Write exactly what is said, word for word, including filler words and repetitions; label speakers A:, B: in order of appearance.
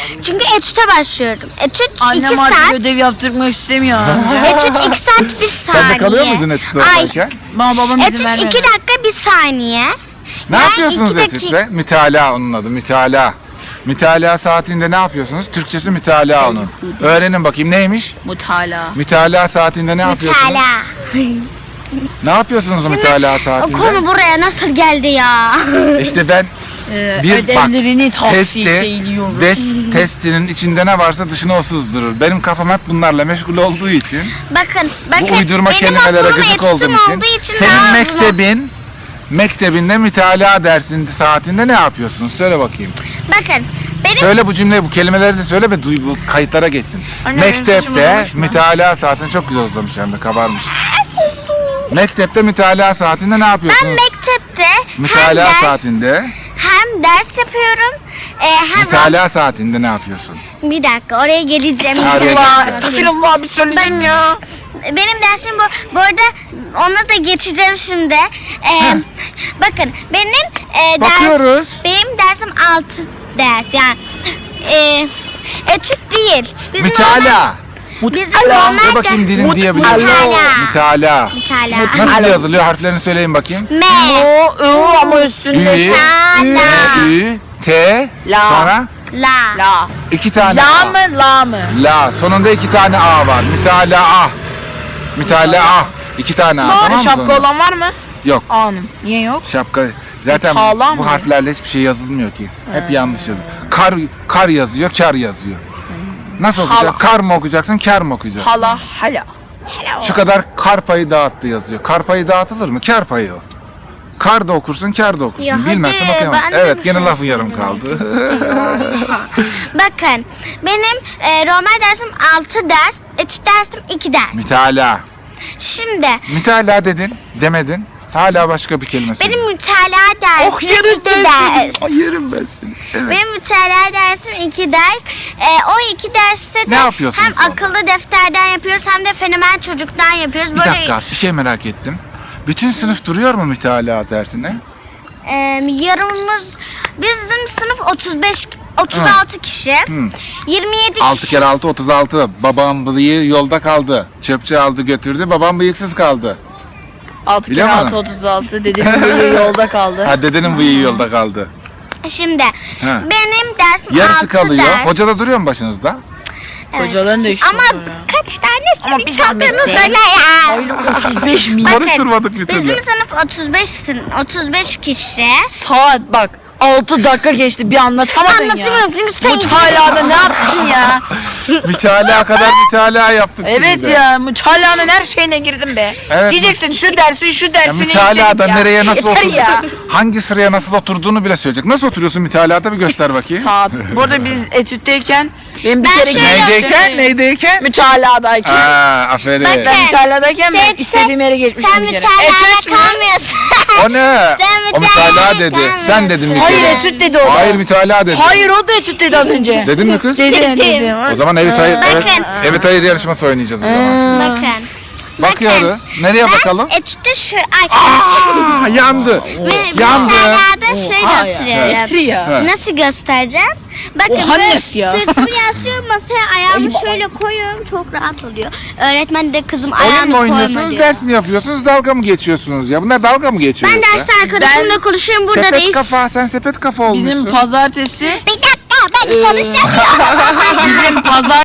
A: Çünkü etüte başlıyorum. Etüt iki
B: Annem artık
A: saat.
B: ödev yaptırmak istemiyor.
A: Etüt iki saat bir saniye.
C: Sen de kalıyor muydun etütte
A: Ay.
C: oradayken?
B: Bana babam izin
A: Etüt
B: vermedi.
A: iki dakika bir saniye.
C: Ne
A: Yani
C: yapıyorsunuz
A: iki dakika-
C: etütte? Mütalaa onun adı, mütalaa. Mütalaa saatinde ne yapıyorsunuz? Türkçesi mütalaa onun. Öğrenin bakayım neymiş?
B: Mutala.
C: Mütalaa saatinde ne yapıyorsunuz?
A: Mütalaa.
C: Ne yapıyorsunuz o mütalaa
A: O
C: saatinde?
A: konu buraya nasıl geldi ya?
C: İşte ben
B: Ee,
C: bir
B: ödevlerini
C: bak
B: tavsiye
C: testi,
B: ediyoruz.
C: des, testinin içinde ne varsa dışına o sızdırır. Benim kafam hep bunlarla meşgul olduğu için,
A: Bakın, bakın.
C: bu uydurma
A: benim
C: kelimelere
A: okulum
C: gıcık
A: etütüm
C: olduğum için,
A: olduğu için
C: senin
A: daha uzun.
C: mektebin, mektebinde mütalaa dersin saatinde ne yapıyorsun? Söyle bakayım.
A: Bakın, benim
C: Söyle bu cümleyi, bu kelimeleri de söyle ve duy, bu kayıtlara geçsin.
B: Anne, benim saçım
C: Mektepte
B: uzamış mı?
C: mütalaa saatinde çok güzel uzamış hem de kabarmış. Mektepte mütalaa saatinde ne
A: ben
C: yapıyorsunuz?
A: mektepte hem
C: Mütalaa
A: ders,
C: saatinde,
A: hem ders yapıyorum. E, hem
C: mütalaa saatinde ne yapıyorsun?
A: bir dakika oraya geleceğim.
C: Estağfurullah,
B: Estağfurullah bir söyleyeceğim ya.
A: Benim dersim bu. Bu arada ona da geçeceğim şimdi. Ee, bakın benim e, ders,
C: Bakıyoruz.
A: benim dersim altı ders yani e, etüt değil. Bizim
C: Mütalaa.
A: normal- Bizim
B: Mutala.
A: normal
C: De bakayım
A: de-
C: dilin diyebiliyor musun?
A: Mütalaa.
C: Mütalaa.
A: Mütalaa.
C: Nasıl yazılıyor? Harflerini söyleyin bakayım.
A: M.
B: O, o ama üstünde.
C: Ü,
A: Mütalaa.
C: Ü, T,
B: La.
C: sonra
A: La.
B: La.
C: iki tane
B: La
C: A.
B: mı la mı?
C: La. Sonunda iki tane A var. Mütalaa. Mütalaa. İki tane A. Tamam mı?
B: Şapka
C: sonunda?
B: olan var mı?
C: Yok.
B: Anım. Niye yok?
C: Şapka. Zaten
B: Mütalaa
C: bu
B: mı?
C: harflerle hiçbir şey yazılmıyor ki. Hep yanlış yazıyor. Kar, kar yazıyor, kar yazıyor. Nasıl
B: Hala.
C: okuyacaksın? Kar mı okuyacaksın, kar mı okuyacaksın?
B: Hala hala.
C: Şu kadar kar payı dağıttı yazıyor. Kar payı dağıtılır mı? Kar payı o. Kar da okursun, kar da okursun.
A: Ya
C: Bilmezsin
A: hadi,
C: okuyamam.
A: ben de
C: Evet,
A: bir
C: gene
A: şey
C: lafın yarım kaldı.
A: Bakın benim e, normal dersim altı ders, etüt dersim iki ders.
C: Mütalaa.
A: Şimdi
C: Mütalaa dedin, demedin. Hala başka bir kelime söyle.
A: benim mütalaa dersim
C: Oh, yerim
A: iki
C: ben
A: ders.
C: seni. Ay, yerim ben seni. Evet.
A: Benim mütalaa dersim iki ders. Ee, o iki derste de
C: Ne yapıyorsunuz
A: hem
C: sonra?
A: akıllı defterden yapıyoruz hem de fenomen çocuktan yapıyoruz.
C: Bir dakika, bir şey merak ettim. Bütün sınıf duruyor mu mütalaa dersine?
A: E, yarımımız bizim sınıf otuz beş otuz altı kişi. yirmi yedi
C: altı
A: kişi.
C: kere altı, otuz altı. Babam bıyığı yolda kaldı. Çöpçü aldı götürdü, babam bıyıksız kaldı.
B: altı
C: Biliyor
B: kere
C: musun?
B: altı otuz altı. Dedemin bıyığı yolda kaldı.
C: Ha, dedenin bıyığı yolda kaldı.
A: Şimdi
C: Ha.
A: benim dersim
C: Yarısı
A: altı
C: kalıyor.
A: ders.
C: Hoca da duruyor mu başınızda?
A: Evet.
B: Hocaların da işi
A: Ama
B: var ya.
A: kaç tanesini
B: Ama bir zahmet
A: çaldığını
B: be.
A: söyle ya.
B: Öyle otuz beş milyon.
A: Bakın,
C: Karıştırmadık bir türlü.
A: Bizim sınıf otuz beş sın- otuz beş kişi.
B: Saat bak. altı dakika geçti bir anlatamadın ya.
A: Anlatamıyorum çünkü sen
B: Mütalada ne yaptın ya?
C: Mütalaa kadar mütalaa yaptık.
B: Evet
C: şimdi de.
B: ya mütalanın her şeyine girdim be.
C: Evet.
B: Diyeceksin şu dersin şu
C: Ya
B: dersini
C: mütalada
B: ya.
C: nereye nasıl
B: Yeter
C: otur,
B: ya.
C: hangi sıraya nasıl oturduğunu bile söyleyecek. Nasıl oturuyorsun mütalada bir göster bakayım.
B: Saat. Bu arada biz etütteyken ben bir
A: Ben
B: kere
A: şöyle
C: Neydeyken, neydeyken?
B: Mütaladayken.
C: Aa, aferin.
A: Bak,
B: Ben mütaladayken ben
A: Sen-
B: istediğim yere geçmiştim
A: Sen
B: bir kere.
A: mütalada
B: Etüt mü?
A: kalmıyorsun.
C: O ne?
A: Sen
C: O mütalaa
A: mütalaa
C: dedi.
A: kalmıyorsun.
C: Sen dedin bir
B: Hayır
C: kere.
B: etüt dedi o da.
C: Hayır mütalaa dedi.
B: Hayır o da etüt dedi az önce.
C: Dedin mi kız?
B: Dedi
A: Dedim.
B: dedi.
C: O zaman evet hayır, evet,
A: Bakın.
C: evet hayır yarışması oynayacağız o zaman.
A: Bakın.
C: Bakıyoruz. Nereye bakalım?
A: Etütte şu... Ay,
C: Aa, yandı.
A: ben
C: yandı.
A: mütalada şöyle
B: Oha ya.
A: oturuyorum.
B: Yeter ya.
C: Ha.
A: Nasıl göstereceğim? Bakın
B: Oha
A: böyle
B: nasıl ya?
A: sırtımı yaslıyorum masaya ayağımı şöyle koyuyorum çok rahat oluyor. Öğretmen de kızım
C: Oyun
A: ayağını
C: mu
A: koyma
C: oynuyorsunuz,
A: diyor.
C: ders mi yapıyorsunuz, dalga mı geçiyorsunuz ya? Bunlar dalga mı geçiyor?
A: Ben
C: yoksa?
A: derste arkadaşımla
B: Ben-
A: konuşuyorum burada
C: Sepet
A: değil.
C: kafa, sen sepet kafa olmuşsun.
B: Bizim pazartesi
A: Bir dakika ben konuşacağım.
B: bizim pazar